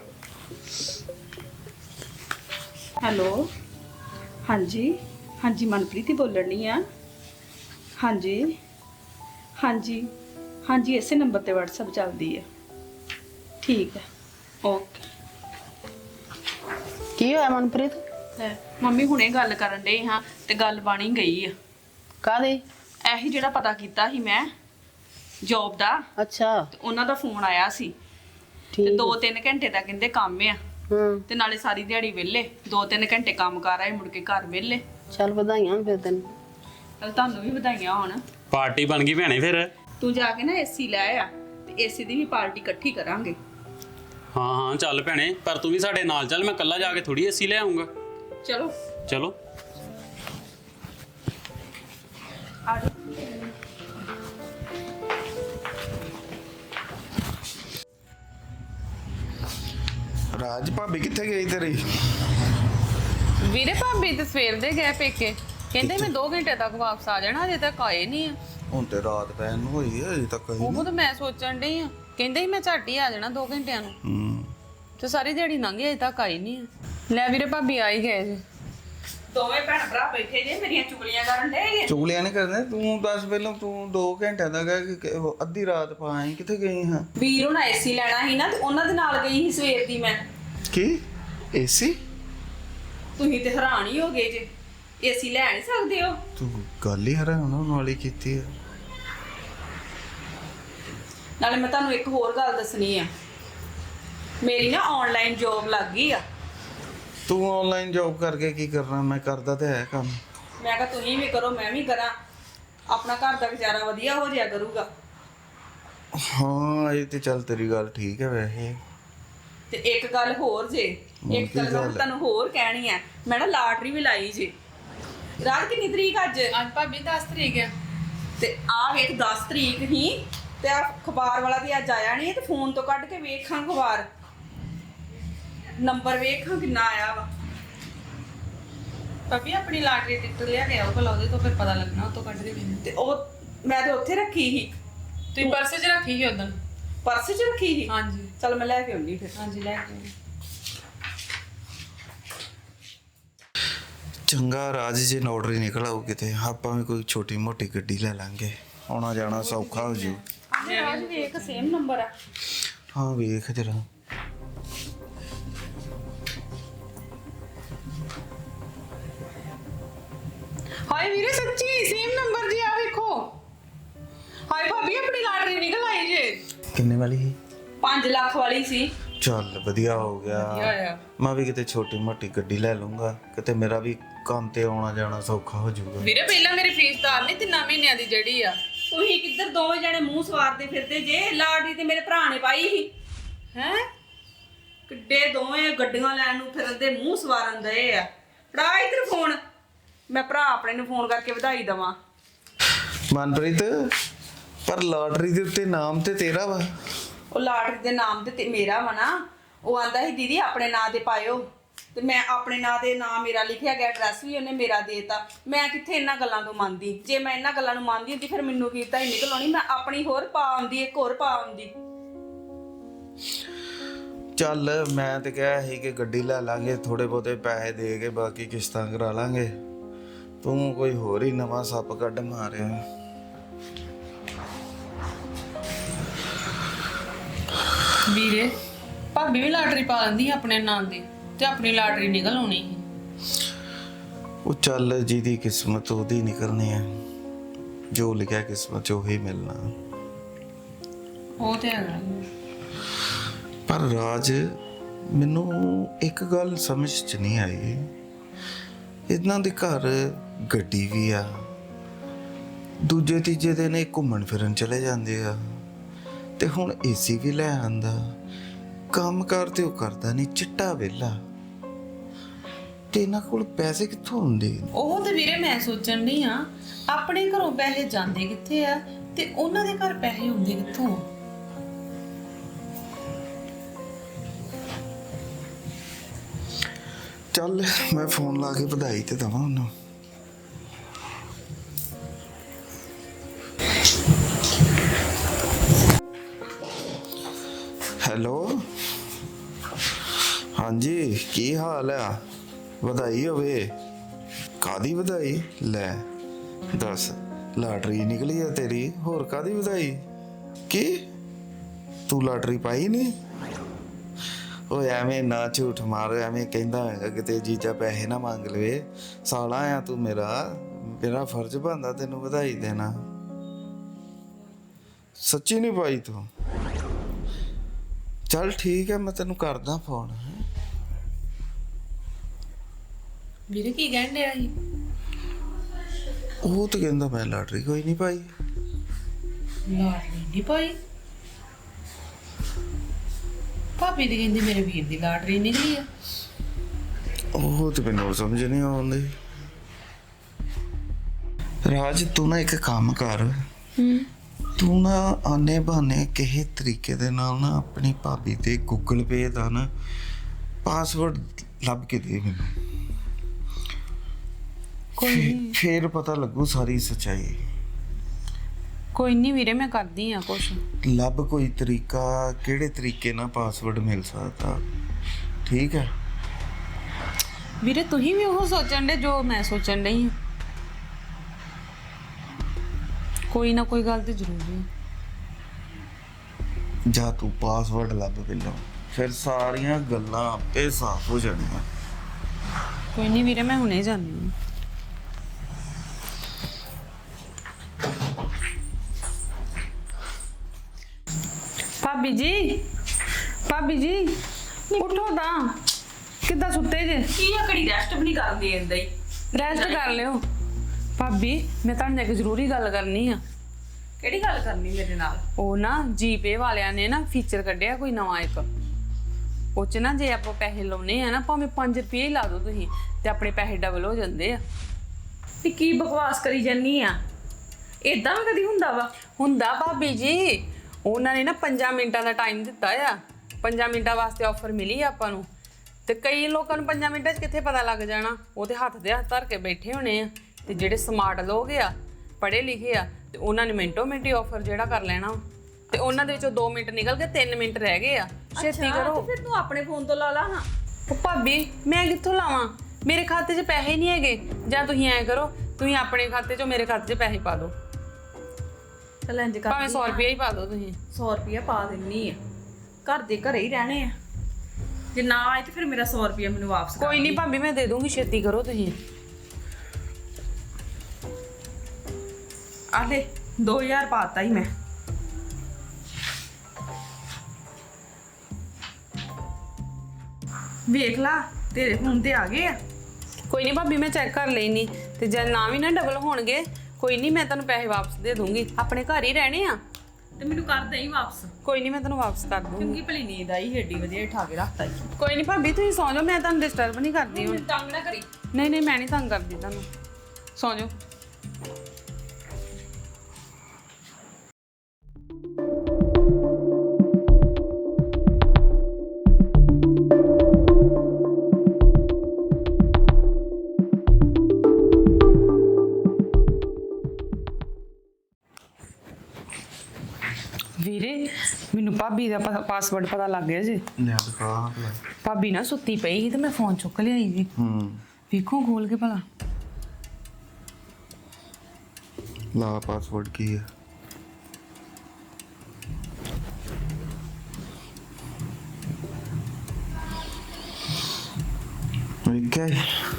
ਹੈਲੋ, ਹਾਂਜੀ ਹਾਂਜੀ ਮਨਪ੍ਰੀਤ ਹੀ ਬੋਲਣੀ ਆ। ਹਾਂਜੀ ਹਾਂਜੀ ਹਾਂਜੀ, ਇਸੇ ਨੰਬਰ ਤੇ WhatsApp ਚੱਲਦੀ ਹੈ। ਠੀਕ ਹੈ, ਓਕੇ।
ਕੀ ਹੋਇਆ ਮਨਪ੍ਰੀਤ?
ਮੰਮੀ ਹੁਣੇ ਗੱਲ ਕਰਨ ਡੇ ਹਾਂ ਤੇ ਗੱਲ ਬਣੀ ਗਈ ਆ।
ਕਾਹਦੀ?
ਇਹੀ ਜਿਹੜਾ ਪਤਾ ਕੀਤਾ ਸੀ ਮੈਂ ਜੌਬ ਦਾ,
ਅੱਛਾ
ਤੇ ਉਹਨਾਂ ਦਾ ਫੋਨ ਆਇਆ ਸੀ ਤੇ
ਠੀਕ।
2-3 ਘੰਟੇ ਦਾ ਕਹਿੰਦੇ ਕੰਮ ਆ,
ਹੂੰ,
ਤੇ ਨਾਲੇ ਸਾਰੀ ਦਿਹਾੜੀ ਵਿਹਲੇ, 2-3 ਘੰਟੇ ਕੰਮ ਕਰ ਆਏ, ਮੁੜ ਕੇ ਘਰ ਵਿਹਲੇ।
ਚੱਲ ਵਧਾਈਆਂ ਫਿਰ ਤੈਨੂੰ।
ਚਲ ਤੁਹਾਨੂੰ ਵੀ ਵਧਾਈਆਂ ਹੋਣ।
ਪਾਰਟੀ ਬਣ ਗਈ ਭੈਣੇ ਫਿਰ।
ਤੂੰ ਜਾ ਕੇ ਨਾ ਏਸੀ ਲੈ ਆ ਤੇ ਏਸੀ ਦੀ ਵੀ ਪਾਰਟੀ ਇਕੱਠੀ ਕਰਾਂਗੇ।
ਹਾਂ ਹਾਂ ਚੱਲ ਭੈਣੇ, ਪਰ ਤੂੰ ਵੀ ਸਾਡੇ ਨਾਲ ਚੱਲ, ਮੈਂ ਇਕੱਲਾ ਜਾ ਕੇ ਥੋੜੀ ਏਸੀ ਲੈ ਆਉਂਗਾ।
ਚਲੋ
ਚਲੋ।
ਆ ਜਾਓ।
ਰਾਜ ਭਾਬੀ ਕਿੱਥੇ ਗਈ ਤੇਰੀ?
ਵੀਰੇ ਭਾਬੀ ਤੇ ਸਵੇਰ ਦੇ ਗਏ ਪੇਕੇ, ਕਹਿੰਦੇ ਮੈਂ 2 ਘੰਟੇ ਤੱਕ ਵਾਪਸ ਆ ਜਾਣਾ, ਅਜੇ ਤੱਕ ਆਏ ਨਹੀਂ ਆ।
ਹੁਣ ਤੇ ਰਾਤ ਪੈਣ ਨੂੰ ਹੋਈ ਹੈ, ਅਜੇ ਤੱਕ
ਉਹ ਤਾਂ ਮੈਂ ਸੋਚਣ ਡਈ ਆ, ਕਹਿੰਦੇ ਸੀ ਮੈਂ ਝੱਟ ਹੀ ਆ ਜਾਣਾ 2 ਘੰਟਿਆਂ ਨੂੰ। ਤੇ ਸਾਰੀ ਦਿਹਾੜੀ ਲੰਘ ਗਈ, ਅਜੇ ਤੱਕ ਆਈ ਨਹੀਂ ਆ। ਲੈ ਵੀਰੇ ਭਾਬੀ ਆ ਹੀ ਗਏ ਜੀ। ਦੋਵੇਂ ਭੈਣ ਭਰਾ ਬੈਠੇ ਜੇ, ਮੇਰੀਆਂ ਚੁਗਲੀਆਂ ਕਰਨ ਡੇ।
ਚੁਗਲੀਆਂ ਨਹੀਂ ਕਰਦੇ, ਤੂੰ ਦੱਸ ਪਹਿਲਾਂ, ਤੂੰ 2 ਘੰਟਿਆਂ ਦਾ ਗਿਆ ਕਿ ਅੱਧੀ ਰਾਤ ਪਾਈ ਕਿੱਥੇ ਗਈ ਹਾਂ?
ਵੀਰ ਹੁਣ ਏਸੀ ਲੈਣਾ ਸੀ ਨਾ ਤੇ ਉਹਨਾਂ ਦੇ ਨਾਲ ਗਈ ਸੀ ਸਵੇਰ ਦੀ ਮੈਂ।
ਕੀ ਏਸੀ?
ਤੁਸੀਂ ਤੇ ਹੈਰਾਨ ਹੀ ਹੋ ਗਏ ਜੇ, ਏਸੀ ਲੈ ਨਹੀਂ ਸਕਦੇ ਹੋ?
ਤੂੰ ਗੱਲ ਹੀ ਹੈਰਾਨ ਹੋਣ ਵਾਲੀ ਕੀਤੀ ਹੈ।
ਨਾਲੇ ਮੈਂ ਤੁਹਾਨੂੰ ਇੱਕ ਹੋਰ ਗੱਲ ਦੱਸਣੀ ਆ, ਮੇਰੀ ਨਾ ਆਨਲਾਈਨ ਜੌਬ ਲੱਗ ਗਈ ਆ।
ਤੂੰ ਆਨਲਾਈਨ ਜੌਬ ਕਰਕੇ ਕੀ ਕਰਨਾ? ਮੈਂ ਕਰਦਾ ਤੇ ਹੈ ਕੰਮ।
ਮੈਂ ਕਿਹਾ ਤੁਸੀਂ ਵੀ ਕਰੋ ਮੈਂ ਵੀ ਕਰਾਂ, ਆਪਣਾ ਘਰ ਦਾ ਗੁਜ਼ਾਰਾ ਵਧੀਆ ਹੋ ਜਾਇਆ ਕਰੂਗਾ।
ਹਾਂ ਇਹ ਤੇ ਚੱਲ ਤੇਰੀ ਗੱਲ ਠੀਕ ਹੈ ਵੈਸੇ,
ਤੇ ਇੱਕ ਗੱਲ ਹੋਰ ਜੇ, ਇੱਕ ਗੱਲ ਮੈਂ ਤੁਹਾਨੂੰ ਹੋਰ ਕਹਿਣੀ ਆ, ਮੈਂ ਨਾ ਲਾਟਰੀ ਵੀ ਲਾਈ ਜੇ। ਰਾਤ ਕਿੰਨੀ ਤਰੀਕ ਅੱਜ?
ਅੱਜ ਭਾਬੀ 10 ਤਰੀਕ ਆ।
ਤੇ ਆ ਵੇਖ 10 ਤਰੀਕ ਹੀ ਤੇ ਆ ਅਖਬਾਰ ਵਾਲਾ ਵੀ ਅੱਜ ਆਇਆ ਨਹੀਂ, ਤੇ ਫੋਨ ਤੋਂ ਕੱਢ ਕੇ ਵੇਖਾਂ ਅਖਬਾਰ, ਨੰਬਰ ਵੇਖਾਂ ਕਿੰਨਾ ਆਇਆ ਵਾ।
ਭਾਬੀ ਆਪਣੀ ਲਾਟਰੀ ਟਿਕਟ ਲਿਆ ਕੇ ਆਓ ਭਲਾ, ਉਹਦੇ ਤੋਂ ਫਿਰ ਪਤਾ ਲੱਗਣਾ, ਉਹ ਤੋਂ ਕੱਢ ਕੇ ਮੈਨੂੰ।
ਤੇ ਉਹ ਮੈਂ ਤੇ ਉੱਥੇ ਰੱਖੀ ਸੀ।
ਤੁਸੀਂ ਪਰਸ 'ਚ ਰੱਖੀ ਸੀ ਉਦੋਂ?
ਪਰਸ 'ਚ ਰੱਖੀ ਸੀ?
ਹਾਂਜੀ
ਚਲ ਮੈਂ ਲੈ ਕੇ ਆਉਂਦੀ ਫਿਰ।
ਹਾਂਜੀ ਲੈ ਕੇ ਆਓ।
ਚੰਗਾ ਰਾਜ ਜੇ ਨੋਟਰੀ ਨਿਕਲ ਆਊ ਕਿਤੇ, ਆਪਾਂ ਵੀ ਕੋਈ ਛੋਟੀ ਮੋਟੀ ਗੱਡੀ ਲੈ ਲਾਂਗੇ, ਆਉਣਾ ਜਾਣਾ ਸੌਖਾ ਹੋ ਜੂ।
ਰਾਜ ਵੇਖ ਸੇਮ ਨੰਬਰ ਆ।
ਹਾਂ ਵੇਖ ਜਰਾ।
ਹਾਏ ਵੀਰੇ ਸੱਚੀ ਸੇਮ ਨੰਬਰ ਜੀ, ਆ ਵੇਖੋ। ਹਾਏ ਭਾਬੀ ਆਪਣੀ ਲਾਟਰੀ ਨਿਕਲ ਆਈ ਜੇ।
ਕਿੰਨੇ ਵਾਲੀ ਸੀ?
5 ਲੱਖ ਵਾਲੀ ਸੀ।
ਚੱਲ ਵਧੀਆ ਹੋ ਗਿਆ।
ਹੋਇਆ।
ਮੈਂ ਵੀ ਕਿਤੇ ਛੋਟੀ ਮੋਟੀ ਗੱਡੀ ਲੈ ਲੂੰਗਾ, ਕਿਤੇ ਮੇਰਾ ਵੀ ਕੰਮ ਤੇ ਆਉਣਾ ਜਾਣਾ ਸੌਖਾ ਹੋ ਜਾਊਗਾ।
ਵੀਰੇ ਪਹਿਲਾਂ ਮੇਰੀ ਫੀਸ ਤਾਰ ਨਹੀਂ 3 ਮਹੀਨਿਆਂ ਦੀ ਜਿਹੜੀ ਆ।
ਤੁਸੀਂ ਕਿੱਧਰ ਦੋਵੇਂ ਜਣੇ ਮੂੰਹ ਸਵਾਰਦੇ ਫਿਰਦੇ ਜੇ? ਲਾਟਰੀ ਤੇ ਮੇਰੇ ਭਰਾ ਨੇ ਪਾਈ ਸੀ। ਹੈ ਕਿੱਡੇ ਦੋਵੇਂ ਗੱਡੀਆਂ ਲੈਣ ਨੂੰ ਫਿਰਦੇ, ਮੂੰਹ ਸਵਾਰਨ ਦਏ ਆ। ਫੜਾ ਇੱਧਰ ਫੋਨ, ਮੈਂ ਭਰਾ ਆਪਣੇ ਨੂੰ ਫੋਨ ਕਰਕੇ ਵਧਾਈ ਦਵਾਂ।
ਮਨਪ੍ਰੀਤ, ਪਰ ਲਾਟਰੀ ਦੇ ਉੱਤੇ ਨਾਮ ਤੇ ਤੇਰਾ ਵਾ।
ਉਹ ਲਾਟਰੀ ਦੇ ਨਾਮ ਤੇ ਮੇਰਾ ਵਾ ਨਾ। ਉਹ ਆਂਦਾ ਸੀ ਦੀਦੀ ਆਪਣੇ ਨਾਂ ਤੇ ਪਾਇਓ, ਤੇ ਮੈਂ ਆਪਣੇ ਨਾਂ ਦੇ ਨਾਂ ਮੇਰਾ ਲਿਖਿਆ ਗਿਆ, ਐਡਰੈਸ ਵੀ ਉਹਨੇ ਮੇਰਾ ਦੇਤਾ। ਮੈਂ ਕਿੱਥੇ ਇਹਨਾਂ ਗੱਲਾਂ ਤੋਂ ਮੰਨਦੀ? ਜੇ ਮੈਂ ਇਹਨਾਂ ਗੱਲਾਂ ਨੂੰ ਮੰਨਦੀ ਹੁੰਦੀ ਫਿਰ ਮੈਨੂੰ ਕੀਤਾ ਹੀ ਨਿਕਲ ਆਉਣੀ, ਮੈਂ ਆਪਣੀ ਹੋਰ ਪਾ ਆਉਂਦੀ, ਇੱਕ ਹੋਰ ਪਾ ਆਉਂਦੀ।
ਚੱਲ ਮੈਂ ਤੇ ਕਿਹਾ ਸੀ ਕਿ ਗੱਡੀ ਲੈ ਲਾਂਗੇ, ਥੋੜੇ ਬਹੁਤੇ ਪੈਸੇ ਦੇ ਕੇ ਬਾਕੀ ਕਿਸ਼ਤਾਂ ਕਰਾ ਲਾਂਗੇ। ਤੂੰ ਕੋਈ ਹੋਰ ਹੀ ਨਵਾਂ ਸੱਪ ਕੱਢ ਮਾਰਿਆ।
ਵੀਰੇ ਭਾਬੀ ਵੀ ਲਾਟਰੀ ਪਾ ਲੈਂਦੀ ਆਪਣੇ ਨਾਂ ਦੀ, ਤੇ ਆਪਣੀ ਲਾਟਰੀ ਨਿਕਲ ਆਉਣੀ ਸੀ।
ਉਹ ਚੱਲ ਜਿਹਦੀ ਕਿਸਮਤ ਉਹਦੀ ਨਿਕਲਣੀ ਹੈ, ਜੋ ਲਿਖਿਆ ਕਿਸਮਤ 'ਚ ਉਹੀ ਮਿਲਣਾ।
ਉਹ ਤੇ ਹੈਗਾ।
ਪਰ ਰਾਜ, ਮੈਨੂੰ ਇੱਕ ਗੱਲ ਸਮਝ 'ਚ ਨਹੀਂ ਆਈ। ਇਹਨਾਂ ਦੇ ਘਰ ਗੱਡੀ ਵੀ ਆ, ਦੂਜੇ ਤੀਜੇ ਦਿਨ ਇਹ ਘੁੰਮਣ ਫਿਰਨ ਚਲੇ ਜਾਂਦੇ ਆ, ਤੇ ਹੁਣ ਏਸੀ ਵੀ ਲੈ ਆਂਦਾ। ਕੰਮ ਕਾਰ ਤੇ ਉਹ ਕਰਦਾ ਨਹੀਂ, ਚਿੱਟਾ ਵਿਹਲਾ, ਤੇ ਇਹਨਾਂ ਕੋਲ ਪੈਸੇ ਕਿੱਥੋਂ ਹੁੰਦੇ?
ਉਹ ਤੇ ਵੀਰੇ ਮੈਂ ਸੋਚਣ ਨਹੀਂ ਆ, ਆਪਣੇ ਘਰੋਂ ਪੈਸੇ ਜਾਂਦੇ ਕਿੱਥੇ ਆ ਤੇ ਉਹਨਾਂ ਦੇ ਘਰ ਪੈਸੇ ਹੁੰਦੇ ਕਿੱਥੋਂ ਆ?
ਚੱਲ ਮੈਂ ਫੋਨ ਲਾ ਕੇ ਵਧਾਈ ਤੇ ਦਵਾਂ ਉਹਨੂੰ। ਹੈਲੋ, ਹਾਂਜੀ ਕੀ ਹਾਲ ਆ? ਵਧਾਈ ਹੋਵੇ। ਕਾਦੀ ਵਧਾਈ? ਲੈ ਦੱਸ, ਲਾਟਰੀ ਨਿਕਲੀ ਆ ਤੇਰੀ, ਹੋਰ ਕਾਦੀ ਵਧਾਈ? ਕੀ ਤੂੰ ਲਾਟਰੀ ਪਾਈ ਨਹੀਂ? ਓਏ ਐਵੇਂ ਨਾ ਝੂਠ ਮਾਰ, ਐਵੇਂ ਕਹਿੰਦਾ ਹੈਗਾ ਕਿਤੇ ਜੀਜਾ ਪੈਸੇ ਨਾ ਮੰਗ ਲਵੇ। ਸਾਲਾ ਆ ਤੂੰ ਮੇਰਾ ਫਰਜ਼ ਬਣਦਾ ਤੈਨੂੰ ਵਧਾਈ ਦੇਣਾ। ਸੱਚੀ ਨਹੀਂ ਪਾਈ ਤੂੰ? ਚੱਲ ਠੀਕ ਹੈ, ਮੈਂ ਤੈਨੂੰ ਕਰਦਾ ਫੋਨ।
ਵੀਰੇ ਕੀ ਕਹਿਣ ਡਿਆ ਸੀ?
ਉਹ ਤਾਂ ਕਹਿੰਦਾ ਮੈਂ ਲਾਟਰੀ ਕੋਈ ਨਹੀਂ ਪਾਈ।
ਲਾਟਰੀ ਨਹੀਂ ਪਾਈ? ਭਾਬੀ ਦੀ ਕਹਿੰਦੀ ਮੇਰੇ ਵੀਰ ਦੀ ਲਾਟਰੀ ਨਿਕਲੀ ਆ।
ਉਹ ਤੇ ਮੈਨੂੰ ਸਮਝ ਨਹੀਂ ਆਉਂਦੀ। ਰਾਜ ਤੂੰ ਨਾ ਇੱਕ ਕੰਮ ਕਰ, ਤੂੰ ਨਾ ਆਨੇ ਬਹਾਨੇ ਕਿਸੇ ਤਰੀਕੇ ਦੇ ਨਾਲ ਨਾ ਆਪਣੀ ਭਾਬੀ ਤੇ ਗੂਗਲ ਪੇ ਦਾ ਨਾ ਪਾਸਵਰਡ ਲੱਭ ਕੇ ਦੇ ਮੈਨੂੰ। ਫੇਰ ਪਤਾ ਲੱਗੂ ਸਾਰੀ ਸੱਚਾਈ।
ਕੋਈ ਨਹੀਂ ਵੀਰੇ ਮੈਂ ਕਰਦੀ ਆ ਕੁਛ।
ਲੱਭ ਕੋਈ ਤਰੀਕਾ, ਕਿਹੜੇ ਤਰੀਕੇ ਨਾਲ ਪਾਸਵਰਡ ਮਿਲ ਸਕਦਾ। ਠੀਕ ਹੈ
ਵੀਰੇ ਤੁਸੀਂ ਵੀ ਉਹ ਸੋਚਣ ਦੇ ਜੋ ਮੈਂ ਸੋਚਣ ਡਈ ਹਾਂ। ਕੋਈ ਨਾ ਕੋਈ ਗੱਲ ਤੇ ਜ਼ਰੂਰ ਹੈ।
ਜਾਂ ਤੂੰ ਪਾਸਵਰਡ ਲੱਭ ਪਹਿਲਾਂ, ਫਿਰ ਸਾਰੀਆਂ ਗੱਲਾਂ ਆਪੇ ਸਾਫ਼ ਹੋ ਜਾਣੀਆਂ।
ਕੋਈ ਨਹੀਂ ਵੀਰੇ ਮੈਂ ਹੁਣੇ ਜਾਂਦੀ ਹਾਂ। ਭਾਬੀ ਜੀ ਉੱਠੋ ਤਾਂ, ਕਿੱਦਾਂ ਸੁੱਤੇ ਜੇ?
ਕੀ ਆਕੜੀ ਰੈਸਟ ਵੀ ਨਹੀਂ ਕਰਨ ਦੇ ਦਿੰਦਾ ਹੀ।
ਰੈਸਟ ਕਰ ਲਿਓ। ਭਾਬੀ ਮੈਂ ਤੁਹਾਡੇ ਨਾਲ ਇੱਕ ਜ਼ਰੂਰੀ ਗੱਲ ਕਰਨੀ ਆ।
ਕਿਹੜੀ ਗੱਲ ਕਰਨੀ ਮੇਰੇ ਨਾਲ?
ਉਹ ਨਾ ਜੀਪੇ ਵਾਲਿਆਂ ਨੇ ਨਾ ਫੀਚਰ ਕੱਢਿਆ ਕੋਈ ਨਵਾਂ ਇੱਕ।
ਉਹ 'ਚ ਨਾ ਜੇ ਆਪਾਂ ਪੈਸੇ ਲਾਉਨੇ ਆ ਨਾ ਭਾਵੇਂ 5 ਰੁਪਏ ਹੀ ਲਾ ਦਿਓ ਤੁਸੀਂ ਤੇ ਆਪਣੇ ਪੈਸੇ ਡਬਲ ਹੋ ਜਾਂਦੇ ਆ।
ਤੇ ਕੀ ਬਕਵਾਸ ਕਰੀ ਜਾਨੀ ਆ? ਇਦਾਂ ਵੀ ਕਦੀ ਹੁੰਦਾ ਵਾ?
ਹੁੰਦਾ ਭਾਬੀ ਜੀ, ਉਹਨਾਂ ਨੇ ਨਾ 5 ਮਿੰਟਾਂ ਦਾ ਟਾਈਮ ਦਿੱਤਾ ਆ। 5 ਮਿੰਟਾਂ ਵਾਸਤੇ ਆਫਰ ਮਿਲੀ ਆ ਆਪਾਂ ਨੂੰ ਤੇ ਕਈ ਲੋਕਾਂ ਨੂੰ 5 ਮਿੰਟਾਂ 'ਚ ਕਿੱਥੇ ਪਤਾ ਲੱਗ ਜਾਣਾ। ਉਹ ਤੇ ਹੱਥ ਦੇ ਹੱਥ ਧਰ ਕੇ ਬੈਠੇ ਹੋਣੇ ਆ ਤੇ ਜਿਹੜੇ ਸਮਾਰਟ ਲੋਕ ਆ, ਪੜ੍ਹੇ ਲਿਖੇ ਆ, ਤੇ ਉਹਨਾਂ ਨੇ ਮਿੰਟੋ ਮਿੰਟ ਹੀ ਆਫਰ ਜਿਹੜਾ ਕਰ ਲੈਣਾ ਤੇ ਉਹਨਾਂ ਦੇ ਵਿੱਚੋਂ 2 ਮਿੰਟ ਨਿਕਲ ਗਏ, 3 ਮਿੰਟ ਰਹਿ ਗਏ ਆ। ਛੇਤੀ ਕਰੋ।
ਫਿਰ ਤੂੰ ਆਪਣੇ ਫੋਨ ਤੋਂ ਲਾ ਲਾ ਹਾਂ।
ਉਹ ਭਾਬੀ ਮੈਂ ਕਿੱਥੋਂ ਲਾਵਾਂ? ਮੇਰੇ ਖਾਤੇ 'ਚ ਪੈਸੇ ਨਹੀਂ ਹੈਗੇ। ਜਾਂ ਤੁਸੀਂ ਐਂ ਕਰੋ, ਤੁਸੀਂ ਆਪਣੇ ਖਾਤੇ 'ਚੋਂ ਮੇਰੇ ਖਾਤੇ 'ਚ ਪੈਸੇ ਪਾ ਦਿਓ,
ਚੱਲ ਇੰਜ ਕਰ,
ਭਾਵੇਂ 100 ਰੁਪਏ ਹੀ ਪਾ ਦਿਓ ਤੁਸੀਂ।
100 ਰੁਪਇਆ ਪਾ ਦਿੰਨੀ ਆ। ਘਰ ਦੇ ਘਰੇ ਹੀ ਰਹਿਣੇ ਆ। ਜੇ ਨਾ ਆਏ ਤੇ ਫਿਰ ਮੇਰਾ 100 ਰੁਪਇਆ ਮੈਨੂੰ ਵਾਪਸ ਕਰ।
ਕੋਈ ਨਹੀਂ ਭਾਬੀ, ਮੈਂ ਦੇ ਦੂੰਗੀ, ਛੇਤੀ ਕਰੋ ਤੁਸੀਂ।
ਆ ਲੈ 2000 ਪਾਤਾ ਹੀ ਮੈਂ। ਵੇਖ ਲਾ ਤੇਰੇ ਫੋਨ ਤੇ ਆ ਗਏ ਆ।
ਕੋਈ ਨਹੀਂ ਭਾਬੀ, ਮੈਂ ਚੈੱਕ ਕਰ ਲੈਣੀ ਤੇ ਜੇ ਨਾ ਵੀ ਨਾ ਡਬਲ ਹੋਣਗੇ ਕੋਈ ਨਹੀਂ, ਮੈਂ ਤੁਹਾਨੂੰ ਪੈਸੇ ਵਾਪਸ ਦੇ ਦੂੰਗੀ। ਆਪਣੇ ਘਰ ਹੀ ਰਹਿਣੇ ਆ।
ਤੇ ਮੈਨੂੰ ਕਰ ਦੇਈ ਵਾਪਸ।
ਕੋਈ ਨਹੀਂ, ਮੈਂ ਤੁਹਾਨੂੰ ਵਾਪਸ ਕਰ ਦੂੰਗੀ।
ਚੰਗੀ ਭਲੀ ਨੀਂਦ ਆਈ, ਏਡੀ ਵਧੀਆ ਠਾ ਕੇ ਰੱਖਤਾ ਜੀ।
ਕੋਈ ਨਹੀਂ ਭਾਬੀ, ਤੁਸੀਂ ਸੌਂ ਜਾਓ, ਮੈਂ ਤੁਹਾਨੂੰ ਡਿਸਟਰਬ ਨਹੀਂ ਕਰਦੀ ਹੁਣ।
ਤੰਗ ਨਾ ਕਰੀ।
ਨਹੀਂ ਨਹੀਂ, ਮੈਂ ਨਹੀਂ ਤੰਗ ਕਰਦੀ ਤੁਹਾਨੂੰ, ਸੌਂ ਜਾਓ। ਵੀਰੇ, ਮੈਨੂੰ ਭਾਬੀ ਦਾ ਪਾਸਵਰਡ ਪਤਾ ਲੱਗ ਗਿਆ ਜੀ।
ਲੈ ਦਿਖਾ।
ਭਾਬੀ ਨਾ ਸੁੱਤੀ ਪਈ ਸੀ ਤੇ ਮੈਂ ਫੋਨ ਚੁੱਕ ਲਿਆਈ ਜੀ। ਵੇਖੋ ਖੋਲ ਕੇ ਭਲਾ।
ਲਾ ਪਾਸਵਰਡ ਕੀ ਹੈ? ਵੇਖਿਆ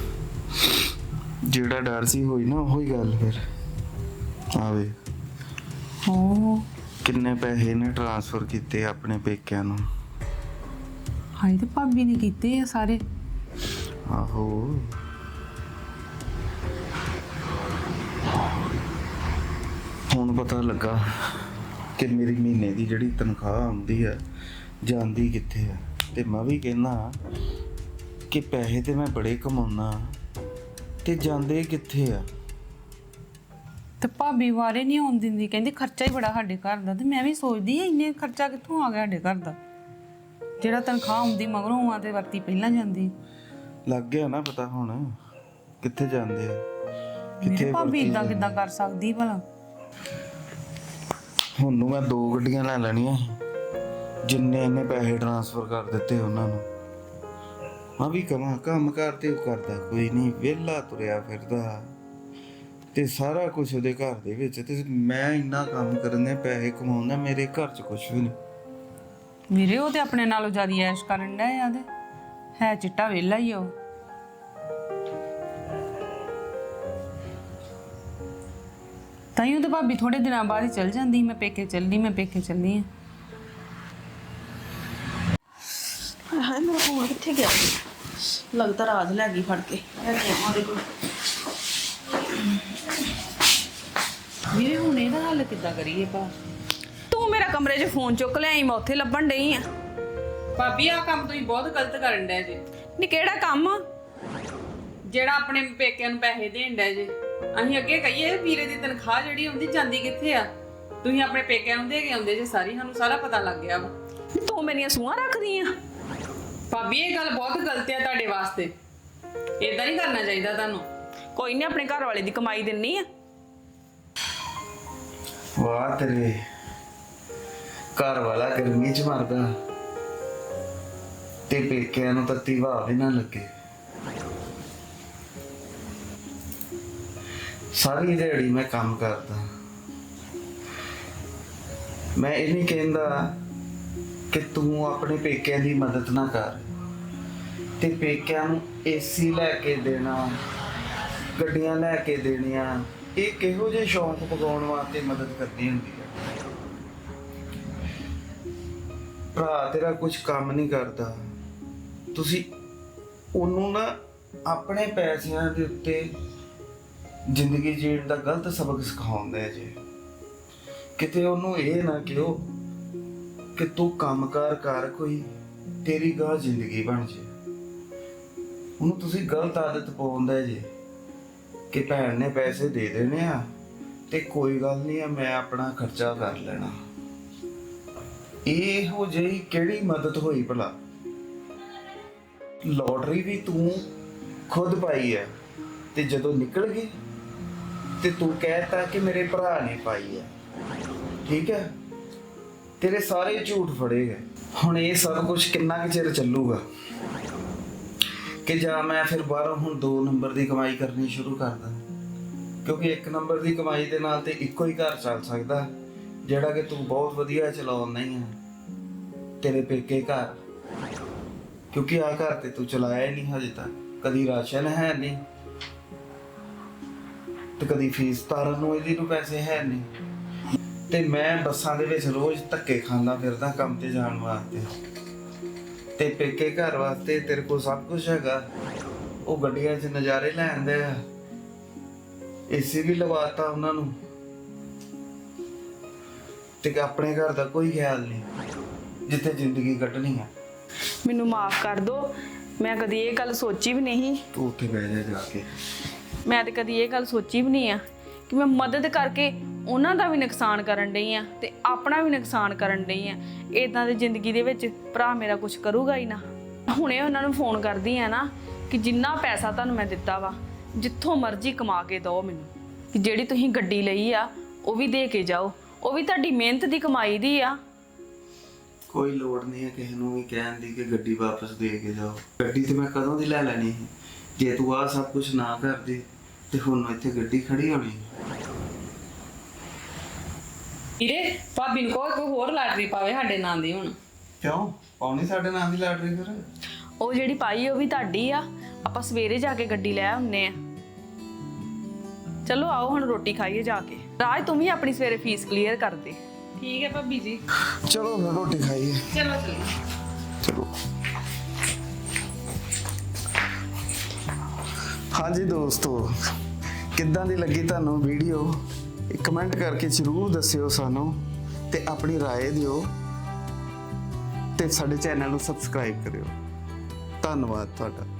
ਜਿਹੜਾ ਡਰ ਸੀ ਹੋਈ ਨਾ ਉਹੀ ਗੱਲ। ਫਿਰ ਆਵੇ
ਓ
ਕਿੰਨੇ ਪੈਸੇ ਨੇ ਟ੍ਰਾਂਸਫਰ ਕੀਤੇ ਆਪਣੇ ਪੇਕਿਆਂ ਨੂੰ।
ਹਾਏ, ਤੇ ਭਾਬੀ ਨੇ ਕੀਤੇ ਆ ਸਾਰੇ।
ਆਹੋ, ਹੁਣ ਪਤਾ ਲੱਗਾ ਕਿ ਮੇਰੀ ਮਹੀਨੇ ਦੀ ਜਿਹੜੀ ਤਨਖਾਹ ਆਉਂਦੀ ਆ ਜਾਂਦੀ ਕਿੱਥੇ ਆ। ਤੇ ਮੈਂ ਵੀ ਕਹਿੰਦਾ ਕਿ ਪੈਸੇ ਤੇ ਮੈਂ ਬੜੇ ਕਮਾਉਣਾ ਤੇ ਜਾਂਦੇ ਕਿੱਥੇ ਆ।
ਤੇ ਭਾਬੀ ਵਾਰੇ ਨਹੀਂ ਆਉਣ ਦਿੰਦੀ, ਕਹਿੰਦੀ ਖਰਚਾ ਹੀ ਬੜਾ ਸਾਡੇ ਘਰ ਦਾ। ਤੇ ਮੈਂ ਵੀ ਸੋਚਦੀ ਆ ਇੰਨੇ ਖਰਚਾ ਕਿੱਥੋਂ ਆ ਗਿਆ ਸਾਡੇ ਘਰ ਦਾ, ਜਿਹੜਾ ਤਨਖਾਹ ਆਉਂਦੀ ਮਗਰੋਂ ਆ ਤੇ ਵਰਤੀ ਪਹਿਲਾਂ ਜਾਂਦੀ।
ਲੱਗ ਗਿਆ ਨਾ ਪਤਾ ਹੁਣ ਕਿੱਥੇ ਜਾਂਦੇ ਆ,
ਮੇਰੇ
ਕਿੱਥੇ
ਭਾਬੀ
ਵਰਤੀ
ਇਦਾਂ
ਜਾਂਦੇ।
ਕਿੱਦਾਂ ਕਰ ਸਕਦੀ ਭਲਾ?
ਹੁਣ ਨੂੰ ਮੈਂ 2 ਗੱਡੀਆਂ ਲੈ ਲੈਣੀਆਂ ਸੀ, ਜਿੰਨੇ ਇਹਨੇ ਪੈਸੇ ਟ੍ਰਾਂਸਫਰ ਕਰ ਦਿੱਤੇ ਉਹਨਾਂ ਨੂੰ। ਮੈਂ ਵੀ ਕਮਾਂ ਕੰਮ ਕਰਦੇ ਉਹ ਕਰਦਾ ਕੋਈ ਨਹੀਂ, ਵਿਹਲਾ ਤੁਰਿਆ ਫਿਰਦਾ ਤੇ ਸਾਰਾ ਕੁਝ ਉਹਦੇ ਘਰ ਦੇ ਵਿੱਚ, ਤੇ ਮੈਂ ਇੰਨਾ ਕੰਮ ਕਰਨ ਦੇ ਪੈਸੇ ਕਮਾਉਂਦਾ, ਮੇਰੇ ਘਰ 'ਚ ਕੁਝ ਵੀ ਨਹੀਂ।
ਵੀਰੇ, ਉਹ ਤੇ ਆਪਣੇ ਨਾਲੋਂ ਜ਼ਿਆਦਾ ਐਸ਼ ਕਰਨ ਡਿਆ ਆ। ਤੇ ਹੈ ਚਿੱਟਾ ਵਿਹਲਾ ਹੀ ਆ ਉਹ। ਤਾਈਓ ਤੇ ਭਾਬੀ ਥੋੜੇ ਦਿਨਾਂ ਬਾਅਦ ਹੀ ਚਲ ਜਾਂਦੀ, ਮੈਂ ਪੇਕੇ ਚੱਲੀ, ਮੈਂ ਪੇਕੇ ਚੱਲੀ ਆ।
ਹਾਏ ਮੇਰਾ ਫੋਨ ਕਿੱਥੇ ਗਿਆ? ਲੱਗਦਾ ਰਾਜ ਲੈ ਗਈ ਫੜ ਕੇ। ਉਹਦੇ ਕੋਲ
ਵੀਰੇ, ਹੁਣ ਇਹਦਾ ਹੱਲ ਕਿੱਦਾਂ ਕਰੀਏ ਭਾ?
ਤੂੰ ਮੇਰਾ ਕਮਰੇ 'ਚ ਫੋਨ ਚੁੱਕ ਲਿਆਈ, ਮੈਂ ਉੱਥੇ ਲੱਭਣ ਡਈ ਆ।
ਭਾਬੀ, ਆਹ ਕੰਮ ਤੁਸੀਂ ਬਹੁਤ ਗਲਤ ਕਰਨ ਡਿਆ ਜੇ।
ਨੀ ਕਿਹੜਾ ਕੰਮ?
ਜਿਹੜਾ ਆਪਣੇ ਪੇਕਿਆਂ ਨੂੰ ਪੈਸੇ ਦੇਣ ਡਿਆ ਜੇ। ਅਸੀਂ ਅੱਗੇ ਕਹੀਏ ਵੀਰੇ ਦੀ ਤਨਖਾਹ ਜਿਹੜੀ ਆਉਂਦੀ ਜਾਂਦੀ ਕਿੱਥੇ ਆ? ਤੁਸੀਂ ਆਪਣੇ ਪੇਕਿਆਂ ਨੂੰ ਦੇ ਕੇ ਆਉਂਦੇ ਜੇ ਸਾਰੀ, ਸਾਨੂੰ ਸਾਰਾ ਪਤਾ ਲੱਗ ਗਿਆ ਵਾ।
ਨੀ ਤੂੰ ਮੇਰੀਆਂ ਸੂਹਾਂ ਰੱਖਦੀ ਆ?
ਭਾਬੀ, ਇਹ ਗੱਲ ਬਹੁਤ ਗਲਤ ਆ ਤੁਹਾਡੇ ਵਾਸਤੇ। ਇਦਾਂ ਨਹੀਂ ਕਰਨਾ ਚਾਹੀਦਾ ਤੁਹਾਨੂੰ।
ਕੋਈ ਨਹੀਂ, ਆਪਣੇ ਘਰ ਵਾਲੇ ਦੀ ਕਮਾਈ ਦਿੰਨੀ ਆ।
ਵਾਹ ਤੇਰੇ ਘਰ ਵਾਲਾ ਗਰਮੀ 'ਚ ਮਰਦਾ ਤੇ ਪੇਕਿਆਂ ਨੂੰ ਤੱਤੀ ਹਵਾ ਵੀ ਨਾ ਲੱਗੇ। ਸਾਰੀ ਦਿਹਾੜੀ ਮੈਂ ਕੰਮ ਕਰਦਾ। ਮੈਂ ਇਹ ਨਹੀਂ ਕਹਿੰਦਾ ਕਿ ਤੂੰ ਆਪਣੇ ਪੇਕਿਆਂ ਦੀ ਮਦਦ ਨਾ ਕਰ, ਤੇ ਪੇਕਿਆਂ ਨੂੰ ਏਸੀ ਲੈ ਕੇ ਦੇਣਾ, ਗੱਡੀਆਂ ਲੈ ਕੇ ਦੇਣੀਆਂ, ਇਹ ਕਿਹੋ ਜਿਹੇ ਸ਼ੌਂਕ ਪਗਾਉਣ ਵਾਸਤੇ ਮਦਦ ਕਰਨੀ ਹੁੰਦੀ ਹੈ। ਭਰਾ ਤੇਰਾ ਕੁਝ ਕੰਮ ਨਹੀਂ ਕਰਦਾ, ਤੁਸੀਂ ਉਹਨੂੰ ਨਾ ਆਪਣੇ ਪੈਸਿਆਂ ਦੇ ਉੱਤੇ ਜ਼ਿੰਦਗੀ ਜੀਣ ਦਾ ਗਲਤ ਸਬਕ ਸਿਖਾਉਂਦੇ ਜੇ। ਕਿਤੇ ਉਹਨੂੰ ਇਹ ਨਾ ਕਿਹੋ ਕਿ ਤੂੰ ਕੰਮਕਾਰ ਕਰ ਕੋਈ ਤੇਰੀ ਗਾਂ ਜ਼ਿੰਦਗੀ ਬਣ ਜੇ। ਉਹਨੂੰ ਤੁਸੀਂ ਗਲਤ ਆਦਤ ਪਾਉਂਦੇ ਜੇ ਕਿ ਭੈਣ ਨੇ ਪੈਸੇ ਦੇ ਦੇਣੇ ਆ ਤੇ ਕੋਈ ਗੱਲ ਨਹੀਂ ਆ, ਮੈਂ ਆਪਣਾ ਖਰਚਾ ਕਰ ਲੈਣਾ। ਇਹੋ ਜਿਹੀ ਕਿਹੜੀ ਮਦਦ ਹੋਈ ਭਲਾ? ਲੋਟਰੀ ਵੀ ਤੂੰ ਖੁਦ ਪਾਈ ਹੈ ਤੇ ਜਦੋਂ ਨਿਕਲ ਗਈ ਤੇ ਤੂੰ ਕਹਿਤਾ ਕਿ ਮੇਰੇ ਭਰਾ ਨੇ ਪਾਈ ਹੈ। ਠੀਕ ਹੈ, ਤੇਰੇ ਸਾਰੇ ਝੂਠ ਫੜੇ ਗਏ। ਹੁਣ ਇਹ ਸਭ ਕੁਝ ਕਿੰਨਾ ਕੁ ਚਿਰ ਚੱਲੂਗਾ ਕਿ ਜਾਂ ਮੈਂ ਫਿਰ ਬਾਹਰੋਂ ਹੁਣ 2 ਨੰਬਰ ਦੀ ਕਮਾਈ ਕਰਨੀ ਸ਼ੁਰੂ ਕਰਦਾ? ਕਿਉਂਕਿ 1 ਨੰਬਰ ਦੀ ਕਮਾਈ ਦੇ ਨਾਲ ਤੇ ਇੱਕੋ ਹੀ ਘਰ ਚੱਲ ਸਕਦਾ, ਜਿਹੜਾ ਕਿ ਤੂੰ ਬਹੁਤ ਵਧੀਆ ਚਲਾਉਂਦਾ ਹੀ ਹੈ, ਤੇਰੇ ਪੇਕੇ ਘਰ। ਕਿਉਂਕਿ ਆ ਘਰ ਤੇ ਤੂੰ ਚਲਾਇਆ ਹੀ ਨਹੀਂ ਹਜੇ ਤੱਕ। ਕਦੀ ਰਾਸ਼ਨ ਹੈ ਨਹੀਂ ਤੇ ਕਦੀ ਫੀਸ ਤਾਰਨ ਨੂੰ ਇਹਦੀ ਨੂੰ ਪੈਸੇ ਹੈ ਨਹੀਂ, ਤੇ ਮੈਂ ਬੱਸਾਂ ਦੇ ਵਿੱਚ ਰੋਜ਼ ਧੱਕੇ ਖਾਂਦਾ ਫਿਰਦਾ ਕੰਮ ਤੇ ਜਾਣ ਵਾਸਤੇ, ਤੇ ਪੇਕੇ ਘਰ ਵਾਸਤੇ ਤੇਰੇ ਕੋਲ ਸਭ ਕੁਝ ਹੈਗਾ। ਉਹ ਗੱਡੀਆਂ 'ਚ ਨਜ਼ਾਰੇ ਲੈਂਦੇ ਆ, ਏਸੀ ਵੀ ਲਵਾਤਾ ਉਹਨਾਂ ਨੂੰ, ਤੇ ਆਪਣੇ ਘਰ ਦਾ ਕੋਈ ਖਿਆਲ ਨਹੀਂ ਜਿੱਥੇ ਜ਼ਿੰਦਗੀ ਕੱਢਣੀ ਆ।
ਮੈਨੂੰ ਮਾਫ ਕਰ ਦਿਓ, ਮੈਂ ਕਦੀ ਇਹ ਗੱਲ ਸੋਚੀ ਵੀ ਨਹੀਂ।
ਤੂੰ ਉੱਥੇ ਬਹਿ ਜਾ ਕੇ।
ਮੈਂ ਤੇ ਕਦੀ ਇਹ ਗੱਲ ਸੋਚੀ ਵੀ ਨਹੀਂ ਆ ਕਿ ਮੈਂ ਮਦਦ ਕਰਕੇ ਉਹਨਾਂ ਦਾ ਵੀ ਨੁਕਸਾਨ ਕਰਨ ਡਈ ਆ ਤੇ ਆਪਣਾ ਵੀ ਨੁਕਸਾਨ ਕਰਨ ਡਈ ਆ। ਇਦਾਂ ਦੀ ਜ਼ਿੰਦਗੀ ਦੇ ਵਿੱਚ ਭਰਾ ਮੇਰਾ ਕੁਝ ਕਰੂਗਾ ਹੀ ਨਾ। ਹੁਣੇ ਉਹਨਾਂ ਨੂੰ ਫੋਨ ਕਰਦੀ ਆ ਨਾ ਕਿ ਜਿੰਨਾ ਪੈਸਾ ਤੁਹਾਨੂੰ ਮੈਂ ਦਿੱਤਾ ਵਾ, ਜਿੱਥੋਂ ਮਰਜ਼ੀ ਕਮਾ ਕੇ ਦਿਓ ਮੈਨੂੰ, ਕਿ ਜਿਹੜੀ ਤੁਸੀਂ ਗੱਡੀ ਲਈ ਆ ਉਹ ਵੀ ਦੇ ਕੇ ਜਾਓ, ਉਹ ਵੀ ਤੁਹਾਡੀ ਮਿਹਨਤ ਦੀ ਕਮਾਈ ਦੀ ਆ।
ਕੋਈ ਲੋੜ ਨਹੀਂ ਹੈ ਕਿਸੇ ਨੂੰ ਵੀ ਕਹਿਣ ਦੀ ਕਿ ਗੱਡੀ ਵਾਪਸ ਦੇ ਕੇ ਜਾਓ। ਗੱਡੀ ਤੇ ਮੈਂ ਕਦੋਂ ਦੀ ਲੈ ਲੈਣੀ ਸੀ ਜੇ ਤੂੰ ਆਹ ਸਭ ਕੁਝ ਨਾ ਕਰਦੀ, ਤੇ ਹੁਣ ਇੱਥੇ ਗੱਡੀ ਖੜੀ ਹੋਣੀ।
ਵੀਰੇ ਭਾਬੀ ਨੂੰ ਕੋਈ ਹੋਰ ਲਾਟਰੀ ਪਾਵੇ ਸਾਡੇ ਨਾਂ ਦੀ ਹੁਣ।
ਕਿਉਂ ਪਾਉਣੀ ਸਾਡੇ ਨਾਂ ਦੀ ਲਾਟਰੀ ਫਿਰ?
ਉਹ ਜਿਹੜੀ ਪਾਈ ਉਹ ਵੀ ਤੁਹਾਡੀ ਆ। ਆਪਾਂ ਸਵੇਰੇ ਜਾ ਕੇ ਗੱਡੀ ਲੈ ਆਉਂਦੇ ਆ। ਚਲੋ ਆਓ ਹੁਣ ਰੋਟੀ ਖਾਈਏ ਜਾ ਕੇ। ਰਾਜ ਤੂੰ ਵੀ ਆਪਣੀ ਸਵੇਰੇ ਫੀਸ ਕਲੀਅਰ ਕਰ ਦੇ।
ਠੀਕ ਹੈ ਭਾਬੀ ਜੀ,
ਚਲੋ ਫਿਰ ਰੋਟੀ ਖਾਈਏ।
ਚਲੋ ਚਲੋ।
ਚਲੋ। ਹਾਂਜੀ ਦੋਸਤੋ, ਕਿੱਦਾਂ ਦੀ ਲੱਗੀ ਤੁਹਾਨੂੰ ਵੀਡੀਓ? ਕਮੈਂਟ ਕਰਕੇ ਜ਼ਰੂਰ ਦੱਸਿਓ ਸਾਨੂੰ, ਤੇ ਆਪਣੀ ਰਾਏ ਦਿਓ, ਤੇ ਸਾਡੇ ਚੈਨਲ ਨੂੰ ਸਬਸਕ੍ਰਾਈਬ ਕਰਿਓ। ਧੰਨਵਾਦ ਤੁਹਾਡਾ।